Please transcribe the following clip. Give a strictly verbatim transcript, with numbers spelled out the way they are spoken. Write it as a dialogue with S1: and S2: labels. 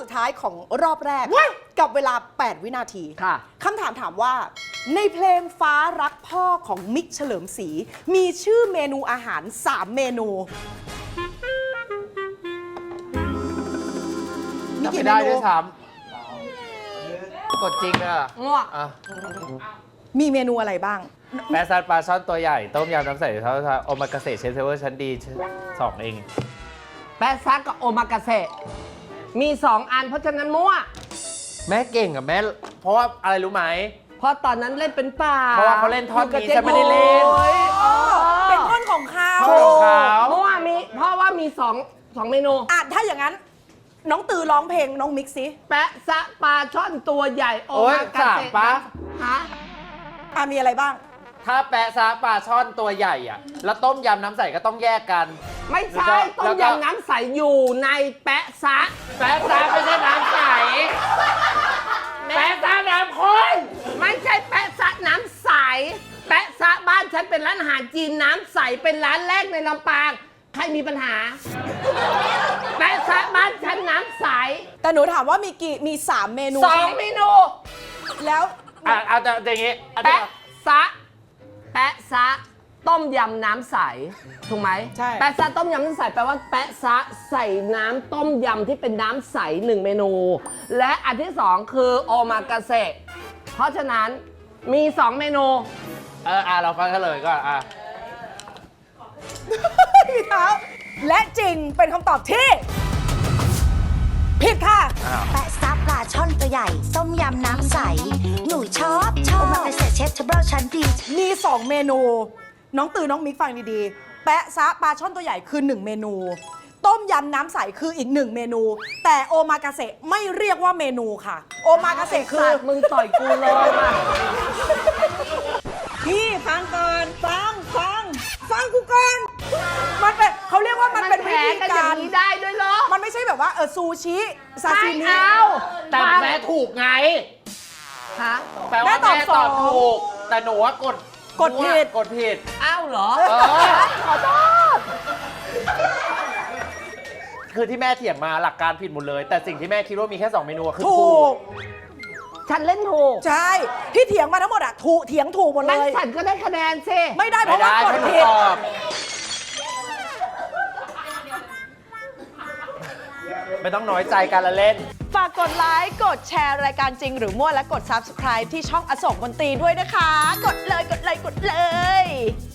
S1: ท้ายของรอบแรกกับเวลา แปด วินาที
S2: ค่ะ
S1: คำถามถามว่าในเพลงฟ้ารักพ่อของมิกเฉลิมศรีมีชื่อเมนูอาหาร สาม เมนูมี
S3: จำ
S1: กี่
S3: ไม่
S1: เม
S3: ได้
S1: นู
S3: ด้วยซ้ำกดจริงอ่ะ
S2: ง่วง
S3: อ่ะ
S1: มีเมนูอะไรบ้าง
S3: แปะซัดปลาช่อนตัวใหญ่ ต้มยำน้ำใสเท่าโอมากาเสะเชฟเซเวอร์ชั้นดีสองเอง
S2: แปะซักกับโอมากาเสะมีสองอันเพราะฉะนั้นมั่ว
S3: แม่เก่งกับแม่ เพราะว่าอะไรรู้ไหม
S2: เพราะตอนนั้นเล่นเป็นป่า
S3: เพราะว่าเขาเล่นท่อนนี้
S2: ยู่กับ
S3: ฉันไม่ได้เล่น
S2: โอ้ยอ๋อ
S1: เป็นท่อนของเขา
S3: ท่อนของเขา
S2: เพราะว่ามีเพราะว่ามีสองสองเมนู
S1: อ่ะถ้าอย่างนั้น น้องตือร้องเพลงน้องมิกซิ
S2: แปะซะปลาช่อนตัวใหญ่โอ
S3: โอ๊ย
S2: มากา
S3: สาม
S2: เสะ
S3: ปะ
S2: ฮะ
S1: อ่ะมีอะไรบ้าง
S3: ถ้าแปะซะปลาช่อนตัวใหญ่อ่ะ แล้วต้มยำน้ำใสก็ต้องแยกกัน
S2: ไม่
S3: แล้ว
S2: ใช่
S3: ก็
S2: ต้
S3: แล้
S2: ม
S3: วก็
S2: ยำน้ำใสอยู่ในแปะซะ
S3: แปะซะไม่ใช่น้ำใส แปะซะน้ำข้น
S2: ไม่ใช่แปะซะน้ำใส แปะซะบ้านฉันเป็นร้านอาหารจีนน้ำใสเป็นร้านแรกในลำปางใครมีปัญหา แปะซะบ้านฉันน้ำใส
S1: แต่หนูถามว่ามีกี่มี สาม เมนู
S2: สองเมนู
S1: แล้ว
S3: อ่ะเอาแต่อย่างงี้เอาแต่
S2: แปะซะแปะซะต้มยำน้ำใสถูกไหม
S1: ใช่
S2: แปะซะต้มยำน้ำใสแปลว่าแปะซะใส่น้ำต้มยำที่เป็นน้ำใสหนึ่งเมนู และอันที่สองคือโอมากาเสะเพราะฉะนั้นมีสองเมนู
S3: เอออ่ะเราฟังกันเลยก่อนอ่ะ
S1: พี่เท้าและจริงเป็นคำตอบที่ ผิดค่ะ
S4: แปะซับปลาช่อนตัวใหญ่ ต้มยำน้ำใส หนูชอบชอบโอมากาเสะเชฟเทเบิลชั้นดี
S1: มี สอง เมนู น้องตือน้องมิกฟังดีๆ แปะซะปลาช่อนตัวใหญ่คือ หนึ่ง เมนู ต้มยำน้ำใสคืออีกหนึ่งเมนู แต่โอมากาเสะไม่เรียกว่าเมนูค่ะ โอมากาเสะคือ
S2: สัตว์มึงต่อยกูเลยอ่ะ
S1: พี่ฟังก่อน ฟังฟังฟังกูก่อน มันเป็นเขาเรียกว่ามันเป็นวิ
S2: แพ้
S1: ธี
S2: กันอย่าก
S1: าง ร
S2: นี้ได้ด้วยเหรอ
S1: มันไม่ใช่แบบว่าเออซูชิซา
S2: ไม่
S1: ซิมิ
S2: เอา
S3: แต่แม่ถูกไง
S2: ฮะ
S3: แปลว่า
S1: แม่
S3: แม่
S1: ต
S3: ต
S1: อ
S3: อ
S1: บบ สอง
S3: ถูก แต่หนูว่ากด
S1: กดผิด
S3: กดผิด
S2: อ้าวเหรอ
S3: เออ
S2: ขอโทษ
S3: คือที่แม่เถียงมาหลักการผิดหมดเลย แต่สิ่งที่แม่คิดว่ามีแค่สองเมนูอะคือ
S1: ถู
S3: ถู
S1: ก
S3: ก
S2: ฉันเล่นถูก
S1: ใช่ ที่เถียงมาทั้งหมดอะถูกเถียงถูกหมดเล
S2: งั้น
S1: ย
S2: ฉันก็ได้คะแนนสิ
S1: ไม่ได้เพ
S3: ไม่
S1: ราะว่า
S3: ได้
S1: กด
S3: ถ้าหนู
S1: ผิด
S3: ตอบ ไม่ต้องน้อยใจกันละเล่น
S1: ฝากกดไลค์ กดแชร์รายการจริงหรือมั่วและกด ซับสไครบ์ ที่ช่องอโศกมนตรีด้วยนะคะ กดเลย กดเลย กดเลย